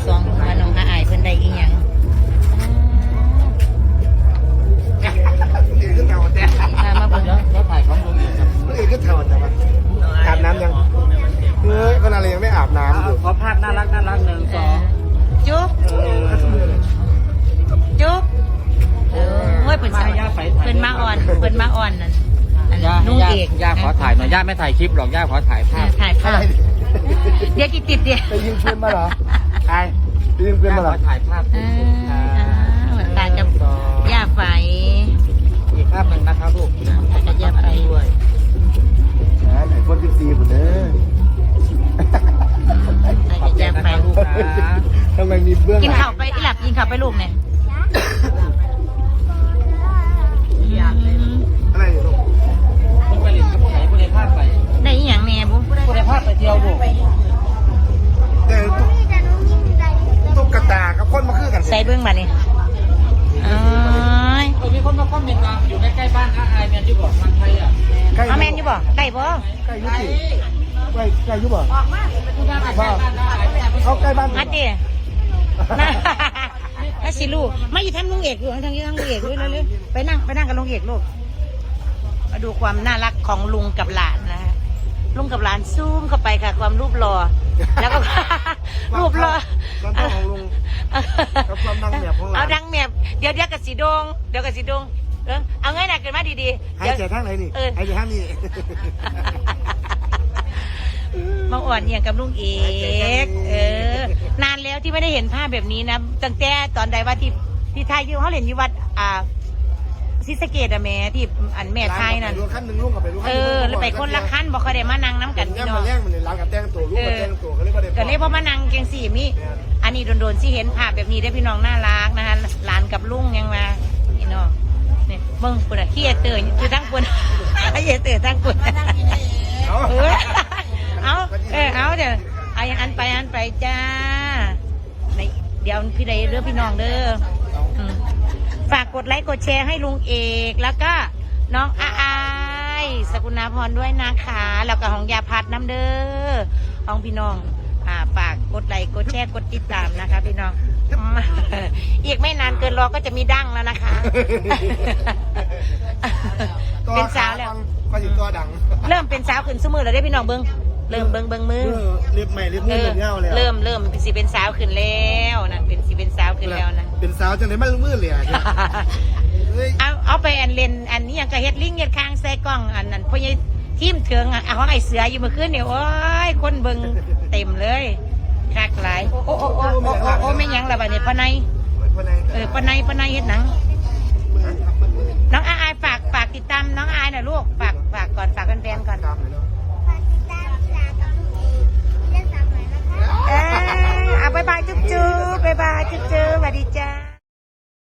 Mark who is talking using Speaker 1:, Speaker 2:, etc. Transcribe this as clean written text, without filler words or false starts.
Speaker 1: องว่าน้องอาอายเพิ่นได้อีหยังมาเบิ่ง
Speaker 2: แล้วถ่ายของลุงอีกครับ
Speaker 3: เอกก็เท่าแต่ว่าอาบน้ำยังเฮ้ยคนอะไรยังไม่อาบน้ำอยู่
Speaker 2: ขอภาพน่ารัก1 2
Speaker 1: จุ๊บจุ๊บเฮ้ยเพิ่นมาอ่อนนั่นนุ่งเอก
Speaker 2: ย่าขอถ่ายหน่อยย่าไม่ถ่ายคลิปหรอกย่าขอถ่ายภาพ
Speaker 1: ถ่ายภาพเดี๋ยวกี่ติดเดี๋ยว
Speaker 3: ไปยิงปืนมาเหรอ
Speaker 2: ใช่
Speaker 3: ไปยิงปืนมาเหรอ
Speaker 2: ขอถ่ายภาพ
Speaker 1: เหมือนตากับย่าไฟ
Speaker 2: อีกภาพหนึ่งนะครับลูก
Speaker 1: ตากับย่าไฟด้วย
Speaker 3: ไหนคน14คนเด้อ
Speaker 1: ตากับย่าไฟ
Speaker 2: ลูกนะ
Speaker 3: ทำไมมีเบื้อง
Speaker 1: กินข้าวไปอีหลับกินข้าวไปลูกเนี่ย
Speaker 3: อะไรลูก
Speaker 2: คุณไปเรียนกับผู้ไหนผู้ใดภาพไป
Speaker 1: ได้อีหยังแน่บุ
Speaker 2: ผู้ใดภาพไปเที่ยวลูก
Speaker 3: แต่ตุ๊กตากับคนมาคือกัน
Speaker 1: ใส่เบื้องมาเลยอ๋อ
Speaker 2: มีคนมาคอมเมนต์ว่าอยู่ใกล้ๆบ้านอาอายแมนยูบอกมันไทยอ่ะ
Speaker 1: เอาแมนอยู่บ่ใกล้บ่
Speaker 3: ใกล้ยุติใกล้ยุบบ่
Speaker 2: คุณย่าใกล้บ้านอาอายแมนยู
Speaker 3: เขาใกล้บ้าน
Speaker 1: มาดิมาสิลูกมาอยู่ทำลุงเอกอยู่ทางลุงเอกด้วยเลยไปนั่งกับลุงเอกลูกมาดูความน่ารักของลุงกับหลานนะฮะลุงกับหลานซูมเข้าไปค่ะความรูปหล่อแล้วก็รูปหล่อ
Speaker 3: ความต้องของลุงกับความดังแมบของหลาน
Speaker 1: เอาดังแมบเดี๋ยวกับสีดงเอาง่ายหนักกันมาดีๆ
Speaker 3: หายใจทางไหนนี่หายใจทางนี้
Speaker 1: มาอ่อนเอียงกับลุงเอกนานแล้วที่ไม่ได้เห็นภาพแบบนี้นะตั้งแต่ตอนใดว่าที่ไทยที่เขาเห็นอยู่วัดศรีสะเกษอะแม่ที่อันแม่ไทยนั่น
Speaker 3: รถคันหนึ่งลุงกับไปรถคัน
Speaker 1: แล้วไปคนละขั้นบอกเขาได้มานั่งน้ำกันพี่น้อง
Speaker 3: แย่งมันเลยร้านกับแต้งตัวลุงกับแต้งตัวก็เลยว่าได้
Speaker 1: ก็เลยพอมานั่งเกงสี่มิอันนี้โดนๆที่เห็นภาพแบบนี้ได้พี่น้องน่ารักนะคะหลานกับลุงยังมาพี่น้องเนี่ยเบิ้งปุ่นขี้เตยคือทั้งปุ่นขี้เตยทั้งปุ่นเอาเดี๋ยวอันไปจ้าเดี๋ยวพี่ใดเรื่องพี่น้องเด้อฝากกดไลค์กดแชร์ให้ลุงเอกแล้วก็น้องอายสกุณาพรด้วยนะคะแล้วก็ของยาพัดน้ำเด้อของพี่น้องฝากกดไลค์กดแชร์กดติดตามนะคะพี่น้องอีกไม่นานเกินรอก็จะมีดั้งแล้วนะคะเป็นสาวแล้ว
Speaker 3: ก็อยู่ตัวดัง
Speaker 1: เริ่มเป็นสาวขึ้นสมือแล้วได้พี่น้องเบิ้งเริ่มเบิ้งมือ
Speaker 3: เรียบใหม่เรียบมือเรียบเงาแล้ว
Speaker 1: เริ่มสิเป็นสาวขึ้นแล้วนะเป็นสาวขึ้นแล้วนะ
Speaker 3: เป็นสาวจังเลยมันมือเลย
Speaker 1: เอาไปอันเลนอันนี้ยังกระเฮ็ดลิงเฮ็ดคางใส่กล้องอันนั้นพอยทีมเถิงของไอเสืออยู่เมื่อคืนเนี่ยโอ้ยคนเบิ้งเต็มเลยคักหลายโอ้ไม่ยังละบัดนี้ปะไนปะไนเฮ็ดหนังน้องอายฝากติดตามน้องอายหน่อยลูกฝากก่อนฝากแฟนๆก่อนบ๊ายบายจุ๊บบ๊ายบายจุ๊บสวัสดีจ้า